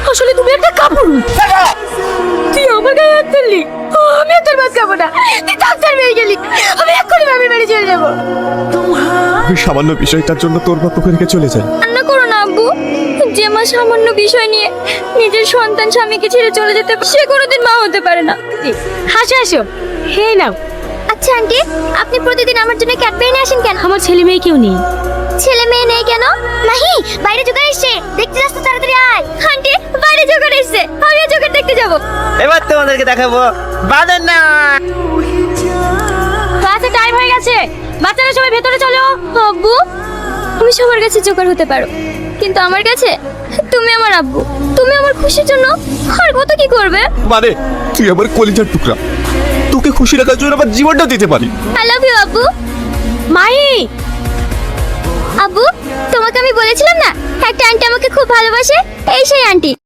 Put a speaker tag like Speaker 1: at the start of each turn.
Speaker 1: আসলে তুমি একটা কাপুরু। তুই আমার গায়ে হাত তুললি, আমি আর তোর ভাত খাবো না। তুই ডাক্তার মেয়ে গেলি, আমি এক্ষুনি বাপের বাড়ি চলে যাবো।
Speaker 2: ওই সামান্য বিষয়টার জন্য তোর বাপ তোকে রেখে চলে যায়।
Speaker 1: কান্না করো না আব্বু। যে মা সামান্য বিষয় নিয়ে নিজের সন্তান স্বামীকে ছেড়ে চলে যেতে পারে, সে কোনোদিন মা হতে পারে না। হাসো হাসো, হে নাও। আচ্ছা আন্টি, আপনি প্রতিদিন আমার জন্য ক্যাডবেরি নিয়ে আসেন কেন? আমার ছেলে মেয়ে কেউ নেই। ছেলে মেয়ে নেই কেন? মাহি, বাইরে জোগাড় এসছে, দেখতে যাস তো, তাড়াতাড়ি আয়। আন্টি, বাইরে জোগাড় এসছে, আমি জোগাড় দেখতে যাব।
Speaker 3: এবার তোমাদেরকে দেখাবো বাঁধন না।
Speaker 1: ক্লাসে টাইম হয়ে গেছে, বাচ্চারা সবাই ভেতরে চলো। আব্বু, তুমি সবার কাছে জোগাড় হতে পারো, কিন্তু আমার কাছে তুমি আমার আব্বু। তুমি আমার খুশির জন্য আর কত কি করবে।
Speaker 2: মানে তুই আমার কলিজার টুকরা, তোকে খুশি রাখার জন্য আমার জীবনটা দিতে পারি।
Speaker 1: আই লাভ ইউ আব্বু। মাহি, আব্বু, তোমাকে আমি বলেছিলাম না একটা আন্টি আমাকে খুব ভালোবাসে, এই সেই আন্টি।